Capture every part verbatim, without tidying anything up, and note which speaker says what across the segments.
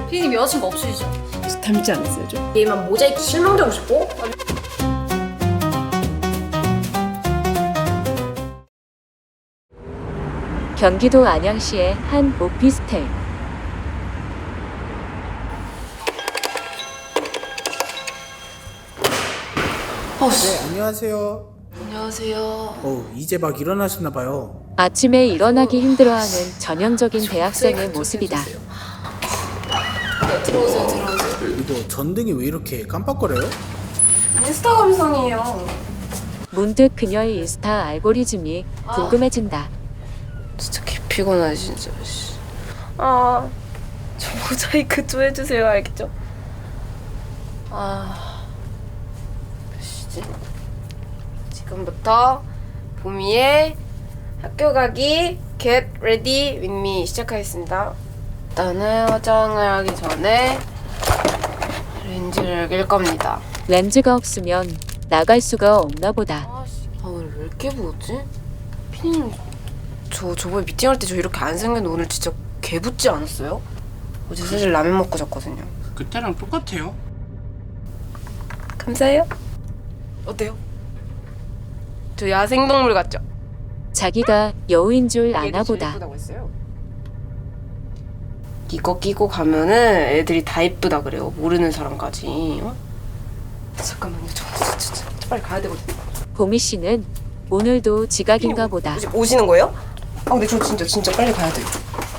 Speaker 1: 피디님 여자친구 없으시죠?
Speaker 2: 닮지 않았어요 좀?
Speaker 3: 얘만 모자이크 실망되고 싶고?
Speaker 4: 경기도 안양시의 한 오피스텔.
Speaker 5: 네, 안녕하세요.
Speaker 3: 안녕하세요.
Speaker 5: 어, 이제 막 일어나셨나 봐요.
Speaker 4: 아침에 일어나기 힘들어하는 전형적인 대학생의 모습이다.
Speaker 3: 네, 들어오세요, 들어오세요.
Speaker 5: 이거 전등이 왜 이렇게 깜빡거려요?
Speaker 3: 인스타 감성이에요.
Speaker 4: 문득 그녀의 인스타 알고리즘이 궁금해진다.
Speaker 3: 진짜 개 피곤하네, 진짜. 아, 저 모자이크 좀 해주세요, 알겠죠? 아, 몇 시지? 지금부터 보미의 학교 가기 Get Ready With Me 시작하겠습니다. 일단은 화장을 하기 전에 렌즈를 낄 겁니다.
Speaker 4: 렌즈가 없으면 나갈 수가 없나 보다.
Speaker 3: 아, 오늘 왜 이렇게 부었지? 피디님, 저 저번에 미팅할 때 저 이렇게 안 생겼는데 오늘 진짜 개 붓지 않았어요? 어제 사실 라면 먹고 잤거든요.
Speaker 5: 그때랑 똑같아요.
Speaker 3: 감사해요. 어때요? 저 야생동물 같죠?
Speaker 4: 자기가 여우인 줄 아나
Speaker 3: 얘도 제일
Speaker 4: 보다.
Speaker 3: 예쁘다고 했어요. 이거 끼고 가면은 애들이 다 이쁘다 그래요. 모르는 사람까지. 어? 잠깐만요. 저 진짜, 진짜 빨리 가야 되거든요.
Speaker 4: 보미 씨는 오늘도 지각인가 보다.
Speaker 3: 오시, 오시는 거예요? 아 근데 저 진짜 진짜 빨리 가야 돼요.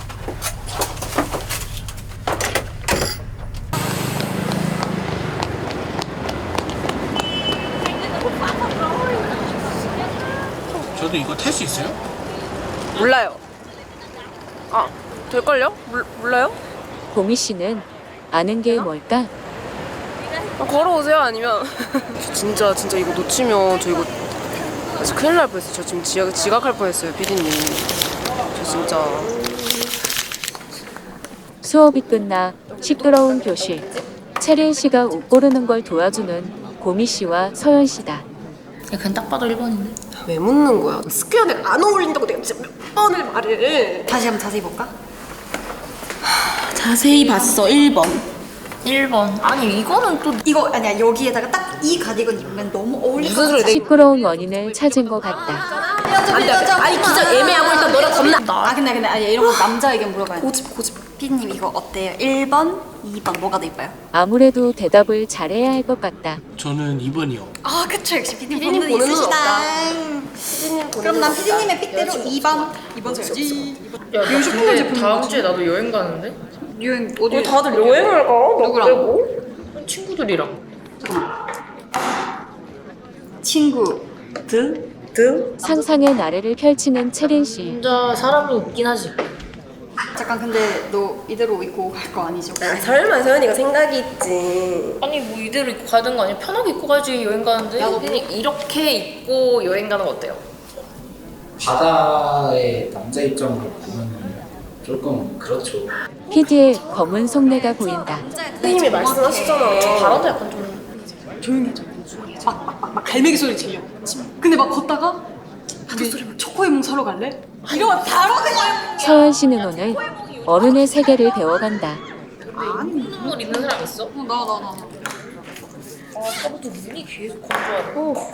Speaker 5: 저도 이거 탈 수 있어요?
Speaker 3: 몰라요. 아 될걸요? 몰, 몰라요?
Speaker 4: 보미 씨는 아는 게 뭘까?
Speaker 3: 아, 걸어오세요 아니면 저 진짜 진짜 이거 놓치면 저 이거 진짜 큰일 날 뻔했어요. 저 지금 지각, 지각할 뻔했어요 피디님. 저 진짜
Speaker 4: 수업이 끝나 시끄러운 교실. 채린 씨가 옷 고르는 걸 도와주는 보미 씨와 서연 씨다.
Speaker 1: 그냥 딱 봐도 일 번인데.
Speaker 3: 왜 묻는 거야? 스퀘어 내가 안 어울린다고 내가 진짜 몇 번을 말을.
Speaker 1: 다시 한번 자세히 볼까?
Speaker 6: 자세히 봤어. 일 번.
Speaker 1: 일 번. 아니 이거는 또
Speaker 6: 이거 아니야. 여기에다가 딱 이 가디건 입으면 너무 어울릴 것
Speaker 3: 무슨 소리?
Speaker 6: 같아.
Speaker 4: 시끄러운 원인을 찾은 것 같다.
Speaker 3: 안 돼, 안 돼. 아니 진짜 애매하고 일단 너랑 겁나.
Speaker 6: 아 근데 근데 아니 이런 거 남자 의견 물어봐야 돼.
Speaker 3: 고집 고집.
Speaker 6: 피디님 이거 어때요? 일 번, 이 번 뭐가 더 이뻐요?
Speaker 4: 아무래도 대답을 잘해야 할 것 같다.
Speaker 5: 저는 이 번이요.
Speaker 6: 아 그쵸 역시 피디님
Speaker 3: 피디님
Speaker 6: 보는
Speaker 3: 보는 눈
Speaker 6: 있으시다.
Speaker 3: 피디님 보는
Speaker 6: 그럼 난
Speaker 3: 거
Speaker 6: 피디님의
Speaker 3: 없다.
Speaker 6: 픽대로 이 번. 이 번 줘야지.
Speaker 1: 야, 나 근데 다음 주에 나도 여행 가는데?
Speaker 6: 유행 어디?
Speaker 3: 어, 다들 여행을 가?
Speaker 6: 누구랑?
Speaker 3: 누구랑?
Speaker 1: 친구들이랑.
Speaker 6: 친구들?
Speaker 3: 드?
Speaker 4: 상상의 나래를 펼치는 채린 씨.
Speaker 1: 혼자 사람이 웃긴 하지.
Speaker 6: 잠깐 근데 너 이대로 입고 갈 거 아니죠?
Speaker 3: 아, 설마 서연이가 생각이 있지.
Speaker 1: 아니 뭐 이대로 입고 가는 거 아니야? 편하게 입고 가지 여행 가는데. 야, 너 이렇게 입고 여행 가는 거 어때요?
Speaker 7: 바다의 남자 입장으로 보면 조금 그렇죠.
Speaker 4: 피디의 검은 속내가 보인다.
Speaker 3: 피디님이 말씀하시잖아.
Speaker 1: 바람도 약간 좀.
Speaker 6: 조용히 해줘. 막막막 막 갈매기 소리 들려. 근데 막 걷다가 파도 소리 막 초코에몽 사러 갈래? 이러면 바로 그냥.
Speaker 4: 서연 씨는 오늘 어른의 세계를 배워간다.
Speaker 1: 눈물 있는 사람 있어?
Speaker 6: 어, 나 나 나.
Speaker 1: 아, 아까부터 눈이 계속 건조하네.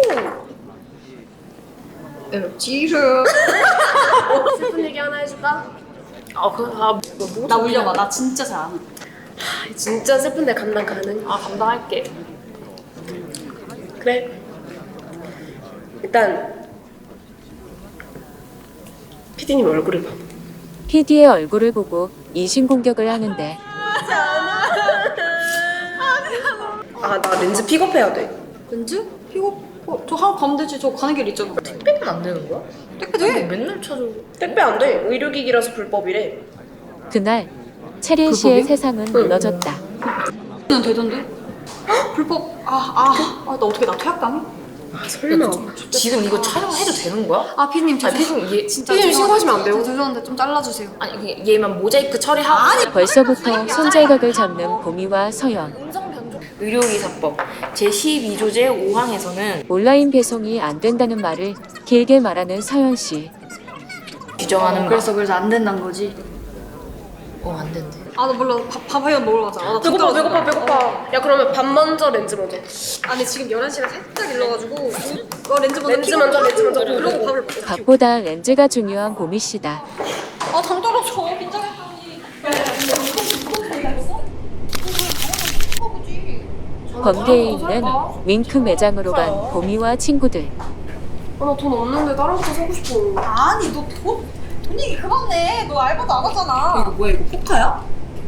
Speaker 6: 지르.
Speaker 3: 슬픈 얘기 하나 해줄까?
Speaker 1: 아, 그, 아, 뭐, 뭐
Speaker 6: 나 울려봐. 나 진짜 잘 안. 해.
Speaker 3: 진짜 슬픈데 감당 가능?
Speaker 1: 아, 감당할게.
Speaker 3: 그래. 일단 피디님 얼굴을 봐.
Speaker 4: 피디의 얼굴을 보고 이신공격을 하는데
Speaker 3: 아, 나 렌즈 픽업해야 돼.
Speaker 6: 렌즈? 이거 어, 저 하러 가면 되지. 저 가는 길 있잖아.
Speaker 1: 택배는 안 되는 거야?
Speaker 6: 택배
Speaker 1: 뭐
Speaker 6: 돼.
Speaker 1: 맨날 찾아.
Speaker 3: 택배 안 돼. 의료기기라서 불법이래.
Speaker 4: 그날 채린 씨의 세상은 무너졌다.
Speaker 6: 는 되던데? 헉, 불법. 아, 아, 아, 나 어떻게 나 퇴학당해?
Speaker 3: 아, 설마.
Speaker 1: 지금 이거 촬영해도 되는 거야?
Speaker 6: 아, 피디님 저
Speaker 1: 아, 피디님 얘
Speaker 6: 진짜
Speaker 3: 피디님
Speaker 6: 죄송한데,
Speaker 3: 신고하시면 안 돼요?
Speaker 6: 저 죄송한데 좀 잘라주세요.
Speaker 1: 아니 그냥 얘만 모자이크 처리하고. 아니
Speaker 4: 벌써부터 손잘각을 잡는 보미와 서연.
Speaker 1: 의료기사법 제십이 조제 오 항에서는
Speaker 4: 온라인 배송이 안 된다는 말을 길게 말하는 서연 씨.
Speaker 1: 규정하는
Speaker 6: 그래서 그래서 안 된다는 거지.
Speaker 1: 어안 된대.
Speaker 6: 아 나 몰라. 밥, 밥 하면 먹으러 가자. 아, 나
Speaker 3: 배고파
Speaker 6: 돈
Speaker 3: 배고파
Speaker 6: 떨어진다.
Speaker 3: 배고파. 야 그러면 밥 먼저 렌즈 먼저.
Speaker 6: 아 근데 지금 열한 시가 살짝 일러가지고 어 렌즈 먼저
Speaker 3: 렌즈
Speaker 6: 켜고
Speaker 3: 먼저, 렌즈 먼저.
Speaker 6: 그러고 밥을 먹자.
Speaker 4: 밥보다 렌즈가 중요한 고미 씨다.
Speaker 6: 아당 떨어져. 긴장했더니.
Speaker 4: 번개에 있는 윙크 매장으로 간 고미와 친구들.
Speaker 3: 아 나 돈 없는데 다른 거 사고 싶어.
Speaker 6: 아니 너 돈? 돈 얘기 그만 내. 너 알바도 안 하잖아. 이거 뭐야 이거 포카야?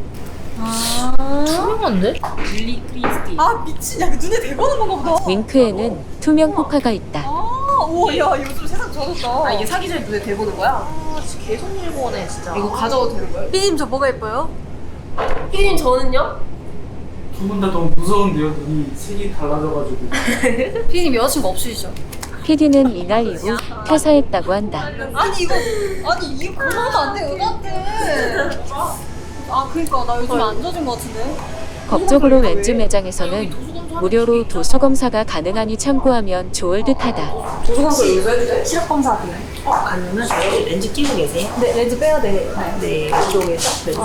Speaker 1: 투명한데?
Speaker 6: 아 미친. 야 눈에 대보는 건가 보다.
Speaker 4: 윙크에는 투명 포카가 있다.
Speaker 6: 아, 오야 요즘 세상 좋아졌다.
Speaker 3: 아 이게 사기 전에 눈에 대보는 거야?
Speaker 1: 아 진짜 계속 일본에 진짜.
Speaker 3: 이거 가져가도 되는 거야?
Speaker 6: 삐님 저 뭐가 예뻐요?
Speaker 3: 피디님 저는요?
Speaker 7: 두 분 다 너무 무서운데요. 눈이 색이 달라져가지고.
Speaker 6: 삐님 여자친구 없으시죠?
Speaker 4: 피디는 이날 이후 퇴사했다고 한다.
Speaker 6: 아니 이거 아니 이거 그러면 안돼 여자한테. 아 그니까 나 요즘 안 젖은 거 같은데.
Speaker 4: 법적으로 렌즈 매장에서는 무료로 도수 검사가 가능하니 참고하면 좋을 듯하다.
Speaker 3: 도서관서 여기서 해도 돼?
Speaker 2: 시력 검사 돼요? 어, 아니면 저희 렌즈 끼고 계세요?
Speaker 6: 네 렌즈 빼야 돼.
Speaker 2: 네, 이쪽에서 렌즈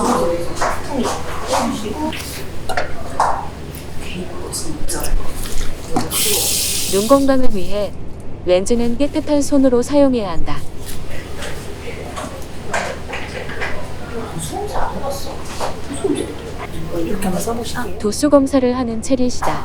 Speaker 4: 눈 건강을 위해 렌즈는 깨끗한 손으로 사용해야 한다.
Speaker 2: 이렇게 한번 써보실게요.
Speaker 4: 도수 검사를 하는 체린 씨다.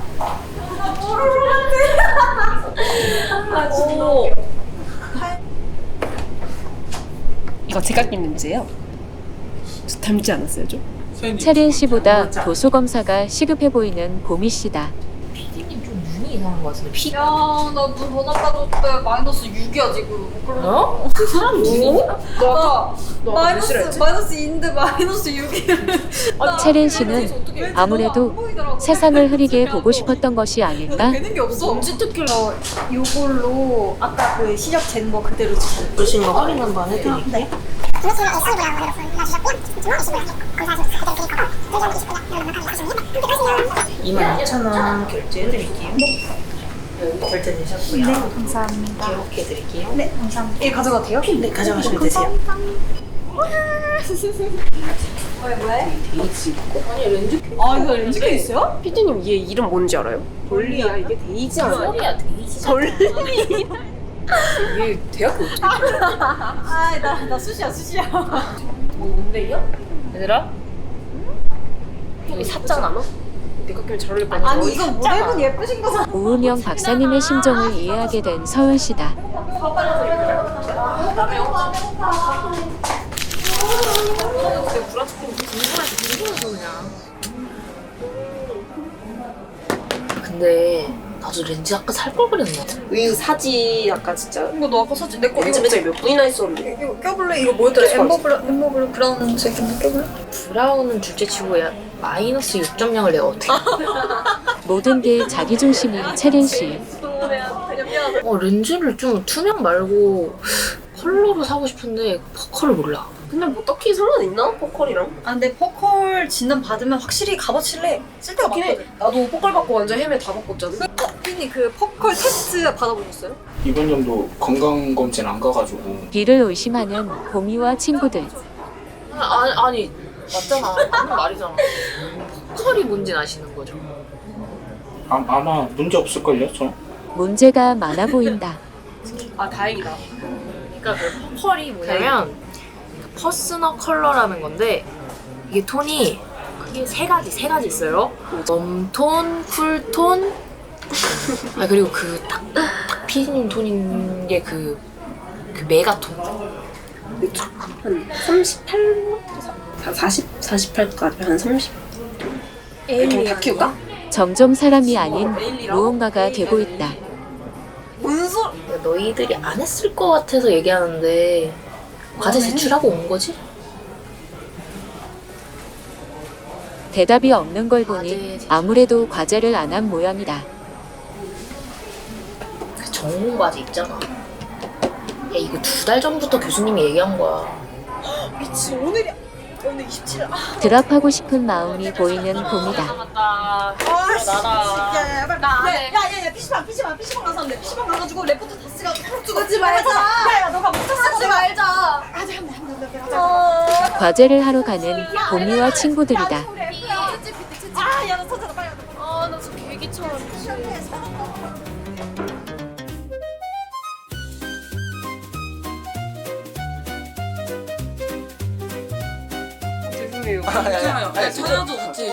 Speaker 3: 이거 제가 낀 렌즈예요. 저 닮지 않았어요 좀?
Speaker 4: 체린 씨보다 도수 검사가 시급해 보이는 고미 씨다.
Speaker 1: 피디님 좀 눈이 이상한 것 같은데. 피.
Speaker 6: 야나눈 더 나빠졌대. 마이너스 육이야 지금.
Speaker 1: 어? 그 사람 눈이?
Speaker 6: 나 마이너스 마이너스 이인데 마이너스 육이야.
Speaker 4: 체린 씨는 아무래도 세상을 흐리게 보고 싶었던 것이 아닐까?
Speaker 6: 되는 게 없어.
Speaker 1: 언제 특기를?
Speaker 6: 이걸로 아까 그 시력 잰 거 그대로 지금.
Speaker 2: 보신 거 확인 한번 해드릴게요. 이만 이천 원 결제해드릴게요. 네. 결제되셨고요. 네, 감사합니다. 기록해드릴게요. 네.
Speaker 6: 얘 가져가도 돼요?
Speaker 2: 네, 가져가시면 되세요.
Speaker 6: 아 이거 렌즈 케이스야?
Speaker 3: 피디님 얘 이름 뭔지 알아요? 돌리야 이게 데이지 않아요?
Speaker 1: 소리야 데이지.
Speaker 3: 얘 대학교 어떻게
Speaker 6: 아나나 수시야 수시야.
Speaker 1: 뭔데요? 얘들아? 여기 샀잖아.
Speaker 3: 내가 끼면 잘 어울릴 거 아니야?
Speaker 6: 아니 이건 모델분 예쁘신 거잖아.
Speaker 4: 오은영 박사님의 심정을 이해하게 된 서연 씨다.
Speaker 1: 근데 나도 렌즈 아까 살 걸 그랬나?
Speaker 3: 이거 사지 아까 진짜
Speaker 6: 이거 너 아까 사진 내거
Speaker 3: 렌즈 매장에 몇 분이나 있었는데
Speaker 6: 이거 껴볼래? 이거 뭐였더라? 엠버블 엠버블 브라운색 껴볼래?
Speaker 1: 브라운은 둘째치고 야 마이너스 육 점 영을 내가 어떻게?
Speaker 4: 모든 게 자기 중심인 체린 씨.
Speaker 1: 어 렌즈를 좀 투명 말고 컬러로 사고 싶은데 퍼컬을 몰라.
Speaker 3: 근데 뭐 딱히 상관 있나? 포컬이랑?
Speaker 6: 아 근데 퍼컬 진단 받으면 확실히 값어치래. 쓸데가
Speaker 3: 맞긴 해.
Speaker 6: 많거든.
Speaker 3: 나도 포컬 받고 완전 헤매 다 바꿨잖아.
Speaker 6: 어, 피디님 그 퍼컬 테스트 받아보셨어요?
Speaker 7: 이번 연도 건강검진 안 가가지고
Speaker 4: 비를 의심하는 고미와 친구들.
Speaker 1: 아니 아니 맞잖아. 맞는 말이잖아. 퍼컬이 뭔지는 아시는 거죠?
Speaker 7: 아, 아마 문제 없을걸요? 저?
Speaker 4: 문제가 많아 보인다.
Speaker 3: 아 다행이다.
Speaker 1: 그러니까 그 퍼컬이 뭐냐면 퍼스널 컬러라는 건데 이게 톤이 크게 세 가지 세 가지 있어요. 웜톤, 쿨톤, 아 그리고 그딱 딱 피디님 톤인 게 그 그 메가톤.
Speaker 3: 한 삼십팔? 한 사십? 사십팔까지 한 삼십? 그냥 다 키울까?
Speaker 4: 점점 사람이 아닌 무언가가 되고 있다.
Speaker 6: 무슨 소?
Speaker 1: 너희들이 안 했을 것 같아서 얘기하는데 과제 제출하고 온 거지?
Speaker 4: 대답이 없는 걸 보니 아무래도 과제를 안 한 모양이다.
Speaker 1: 그 전공 과제 있잖아. 야 이거 두 달 전부터 교수님이 얘기한 거야.
Speaker 6: 미친 오늘이
Speaker 4: 드랍하고 싶은 마음이 보이는 봄이다.
Speaker 1: 맞다. 나라.
Speaker 6: 야야야야 피시방 피시방 피시방 가서 할래. 피시방 가가지고 레포트 다 쓰고 쓰지 말자. 야야 너가 못 쓰지 말자. 하자 한번 한번 하자.
Speaker 4: 과제를 하러 가는 봄이와 친구들이다.
Speaker 6: 아야너 찾아라 빨리.
Speaker 3: 아나 진짜 개기처럼. 죄송해요.
Speaker 8: 괜찮아요. 네, 전혀도 같이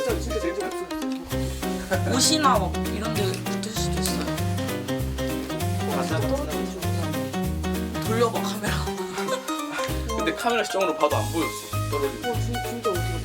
Speaker 8: 옷이나 막 이런 데 붙을 수도 있어요. 돌려봐 카메라.
Speaker 7: 근데 카메라 시점으로 봐도 안 보였어. 떨어지고.
Speaker 3: 진짜 어디